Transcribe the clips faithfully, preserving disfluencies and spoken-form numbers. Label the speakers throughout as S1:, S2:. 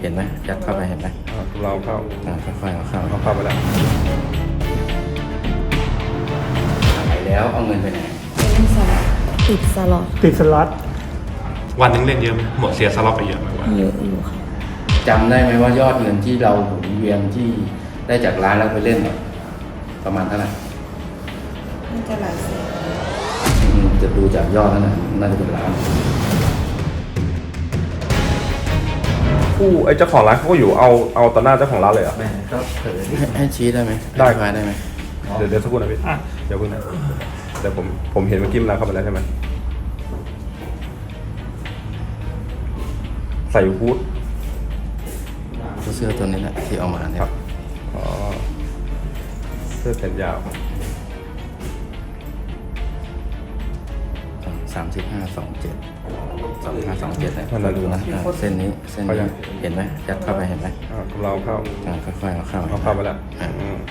S1: เห็นไหมยัดเข้าไปเห็นไหม
S2: เราเข้า
S1: อ่าค่อยๆเอาเข้า
S2: เราเข้าไปแล้ว
S1: ขายแล้วเอาเงินไปไหน
S3: เป็นสล็อตติดสล็อต
S4: ติดสล็อต
S2: วันหนึงเล่นเยอะไหมหมดเสียสล็อตไปเยอะไหมวะ
S3: เยอะอยู่ค่ะ
S1: จำได้ไหมว่ายอดเงินที่เราหมุนเวียนที่ได้จากร้านแล้วไปเล่นเนี่ยประมาณเท่าไหร่
S3: น่าจะหลายแสน
S1: อืมจะดูจากยอดนั่นนะน่าจะเป็นล้าน
S2: ผู้ไอ้เจ้าของร้านเขาก็อยู่เอาเอาต่อหน้าเจ้าของร้านเลยเหรอ่ะ
S1: แม่ก็เผลอให้ให้ชี้ได้ไหม
S2: ได้
S1: อธิบายได้ไหม
S2: เดี๋ยวเดี๋ยวสักครู่นะพี่เดี๋ยวคุณนะเดี๋ยวผมผมเห็นเมื่อกี้มันร้านเข้าไปแล้วใช่ไหมใส่ฮูด
S1: เสื้อตัวนี้แหละที่เอามาเนี่ย
S2: ครับอ๋อเสื้อแขนยาว
S1: สามสิบห้าสองเจ็ดสองห้าสองเจ็ดเนี่ย
S2: นั่นแหละ
S1: ดูนะอ่าเส้นนี้เส้น
S2: เขายั
S1: นี้
S2: ง
S1: เห็นไหมยัดเข้าไปเห็นไหม
S2: อ่าเราเข้า
S1: อ่าค่อยๆเอาเข้า
S2: เราเข้าไปแล้ว
S1: อ่า
S2: อืม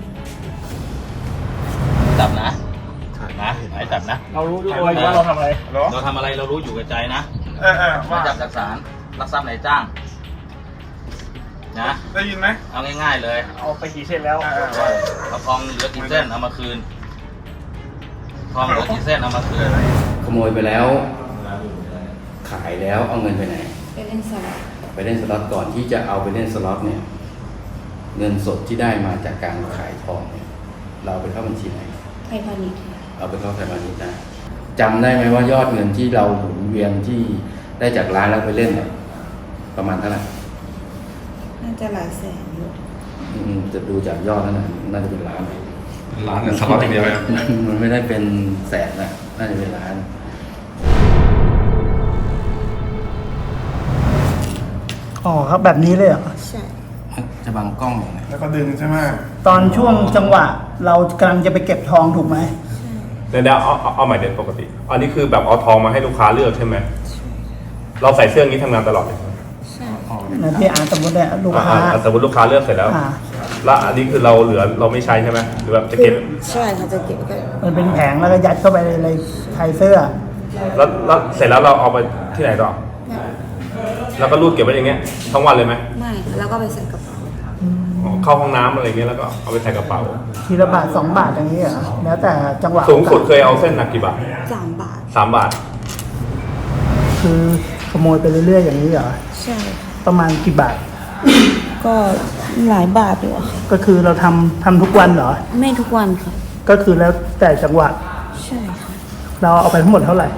S5: จับนะนะไหนจับนะ
S4: เรารู้ด้วยว่าเราทำอะไร
S5: เราทำอะไรเรารู้อยู่กับใจนะ
S4: เออเออ
S5: มา
S4: ว่า
S5: จับจากศาลรักทรัพย์ไหนจ้างนะ
S4: ได้ยินไหม
S5: เอาง่ายๆเลย
S4: เอาไปกี่เส้นแล้ว
S5: เอาทองเหลือกี่เส้นเอามาคืนทองเหลือกี่เส้นเอามาคืน
S1: ขโมยไปแล้ว ขายแล้วเอาเงินไปไหน
S3: ไปเล่นสล็อต
S1: ไปเล่นสล็อตก่อนที่จะเอาไปเล่นสล็อตเนี่ย เงินสดที่ได้มาจากการขายทองเนี่ยเราเอาไปเข้าบัญชีไหน
S3: ไทยพาณิชย์ค่ะ
S1: เอาไปเข้าไทยพาณิชย์นะจำได้ไหมว่ายอดเงินที่เราหมุนเวียนที่ได้จากร้านแล้วไปเล่นเนี่ยประมาณเท่าไหร่
S3: น่าจะหลายแสนอยู่
S1: อืมจะดูจากยอดนั่นนะน่าจะเป็นล้าน
S2: ร้านเนี่ยสล็อตอย่างเดียวไหมครับ
S1: มันไม่ได้เป็นแสนนะน่าจะเป็นล้าน
S4: อ๋อครับแบบนี้เลยเหรอ
S3: ใช่
S1: จะบังกล้องอย่างไร
S6: แล้วก็ดึงใช่ไหม
S4: ตอนช่วงจังหวะ เรากำลังจะไปเก็บทองถูกไหม
S2: เดี๋ยวเดี๋ยวเอาเอาเอาใหม่เด็ดปกติ อันนี้คือแบบเอาทองมาให้ลูกค้าเลือกใช่ไหมเราใส่เสื้ออย่างนี้ทำงานตลอดเลย
S3: ใช่
S4: นะพี่อาร์ตสมมติเนี่ยลูกค้า
S2: อ่อ่สมมติลูกค้าเลือกเสร็จแล้ว
S4: อ่า
S2: แล้วอันนี้คือเราเหลือเราไม่ใช้ใช่ไหมหรือแบบจะเก็บ
S3: ใช่ค่ะจะเก็บไว้ก็
S4: มันเป็นแผงแล้วก็ยัดเข้าไปในไทยเสื้อ
S2: แล้วแล้วเสร็จแล้วเราเอาไปที่ไหนต่อ
S3: เนี่ย
S2: แล้วก็รูดเก็บไว้อย่างเงี้ยทั้งวันเลยไหม
S3: ไม่ค่ะแล้วก็ไปใส่กระเป๋า
S2: อ๋อเข้าห้องน้ำอะไรเงี้ยแล้วก็เอาไปใส่กระเป๋า
S4: ทีละบาทสองบาทอย่างนี้เหรอแล้วแต่จังหวะ
S2: สูงสุดเคยเอาเส้นหนักกี่บาท
S3: สามบาท
S2: สามบาท
S4: คือขโมยไปเรื่อยๆอย่างนี้เหรอ
S3: ใช่ค่ะ
S4: ประมาณกี่บาท
S3: ก็หลายบาทอยู่อะค่ะ
S4: ก็คือเราทำทำทุกวันเหรอ
S3: ไม่ทุกวันค่ะ
S4: ก็คือแล้วแต่จังหวะ
S3: ใช่ค่ะ
S4: เราเอาไปทั้งหมดเท่าไหร่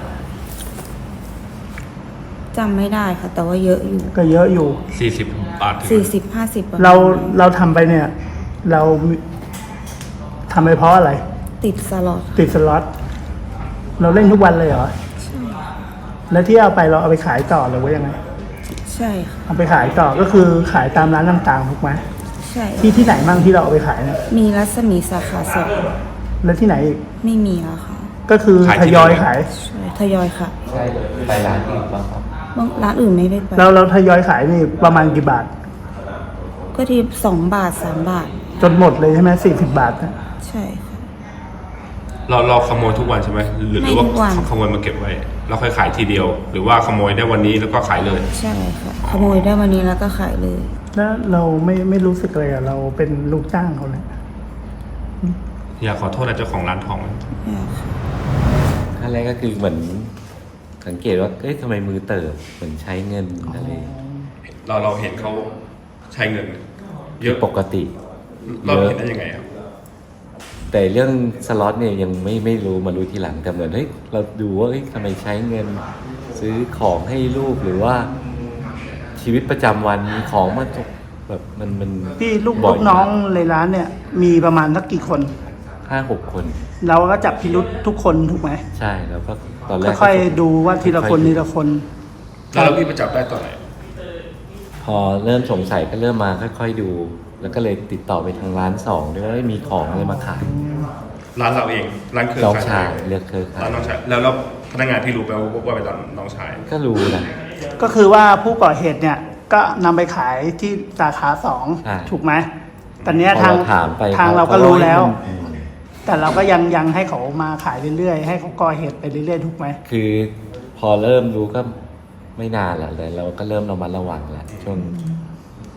S3: จำไม่ได้ค่ะ แต่ว่าเยอะอยู่
S4: ก็เยอะอยู่
S2: สี่สิบบาทถึง
S3: สี่สิบห้าสิบ
S4: เราเราทำไปเนี่ย เราทำไปเพราะอะไร
S3: ติดสล็อต
S4: ติดสล็อตเราเล่นทุกวันเลยเหรอ
S3: ใช่ค่ะ
S4: แล้วที่เอาไปเราเอาไปขายต่อหรือว่ายังไง
S3: ใช่ค่ะ
S4: เอาไปขายต่อก็คือขายตามร้านต่างๆถูกไหม
S3: ใช่
S4: ที่ที่ไหนบ้างที่เราเอาไปขายเนี่ย
S3: มีรัศมีสาขาสอง
S4: แล้วที่ไหนอีก
S3: ไม่มีแล้วค่ะ
S4: ก็คือทยอยขาย
S3: ใช่ทยอยค่ะ
S1: ใช่ไปร้านอื่นบ้างครับ
S3: บางร้านอื่นไม่ได้ไป
S4: เราเราทยอยขายนี่ประมาณกี่บาท
S3: ก็ทีสองบาทสามบาท
S4: จนหมดเลยใช่ไหมสี่สิบบาทนะ
S3: ใช่ค่ะ
S2: เราเราขโมยทุกวันใช่ไหมหรือหรือว่า
S3: ไม่ทุกวัน
S2: ขโมยมาเก็บไว้แล้วค่อยขายทีเดียว หรือว่าขโมยได้วันนี้แล้วก็ขายเลย
S3: ใช่ค่ะ ขโมยได้วันนี้แล้วก็ขายเลย
S4: แล้วเราไม่ไม่รู้สึกเลยอะเราเป็นลูกจ้างเขาเลย
S2: อยากขอโทษนะเจ้าของร้านทองไหม
S3: เนี่ยค่ะ
S7: ขั้นแรกก็คือเหมือนสังเกตว่าเอ๊ะทำไมมือเติบเหมือนใช้เงินอะไร
S2: เราเราเห็นเขาใช้เงิน เยอะ
S7: ปกติ
S2: เรา
S7: เยอะ
S2: เห็นได้ยังไงครับ
S7: แต่เรื่องสล็อตเนี่ยยังไม่ไม่รู้มารู้ทีหลังแต่เหมือนเฮ้ยเราดูว่าเฮ้ยทำไมใช้เงิน ซื้อของให้ลูกหรือว่า ชีวิตประจำวันมีของมาตกแบบมันมัน
S4: พี่ลูก
S7: บ่
S4: ลู
S7: ย
S4: กน้องในร้านเนี่ย มีประมาณสักกี่คน
S7: ห้าหกคน
S4: เราก็จับพิรุษทุกคนถูกไหม
S7: ใช่แล้วก็ตอนแรก
S4: ค่อยๆดูว่าทีละคนทีละคน
S2: แล้วเราพี่ไปจับได้ตอนไหน
S7: พอเริ่มสงสัยก็เริ่มมาค่อยๆดู แล้วก็เลยติดต่อไปทางร้านสองด้วยว่ามีของอะไรมาขาย
S2: ร้านเราเองร้านเครือ
S7: น้อง
S2: ข่าย
S7: ชายเลือกเครือข่า
S2: ร้าย นน้องชายแล้วแล้วพนักงานที่รู้ไปว่าว่าเป็นร้านน้องชาย
S7: ก็รู้นะ
S4: ก็คือว่าผู้ก่อเหตุเนี่ย ก็นำไปขายที่สาขาสอง
S7: อ่า
S4: ถูกไหมตอนเนี้ย
S7: พอ
S4: ทาง
S7: เราถามไป
S4: ทาง
S7: ข
S4: เราก็รู้แล้ว
S7: อืม
S4: แต่เราก็ยังยังให้เขามาขายเรื่อยๆให้เขาก่อเหตุไปเรื่อยๆถูกไหม
S7: คือพอเริ่มรู้ก็ไม่นานแหละเลยเราก็เริ่มระมัดระวังแล้วช่วง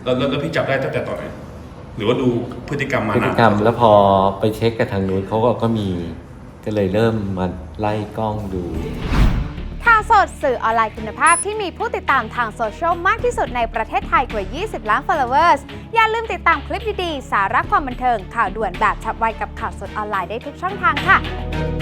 S2: แล้วแล้วแล้วพี่จับได้ตั้งแต่ตอนไหนหรือว่าดูพฤติกรรมมา
S7: พฤ
S2: นา
S7: ติ
S2: น
S7: กรรมแล้วพอไปเช็คกับทางนู้นเขาก็ก็มีก็เลยเริ่มมาไล่กล้องดู
S6: ข่าวสดสื่อออนไลน์คุณภาพที่มีผู้ติดตามทางโซเชียลมากที่สุดในประเทศไทยกว่า ยี่สิบ ล้าน followers อย่าลืมติดตามคลิปดีๆ สาระความบันเทิง ข่าวด่วนแบบฉับไวกับข่าวสดออนไลน์ได้ทุกช่องทางค่ะ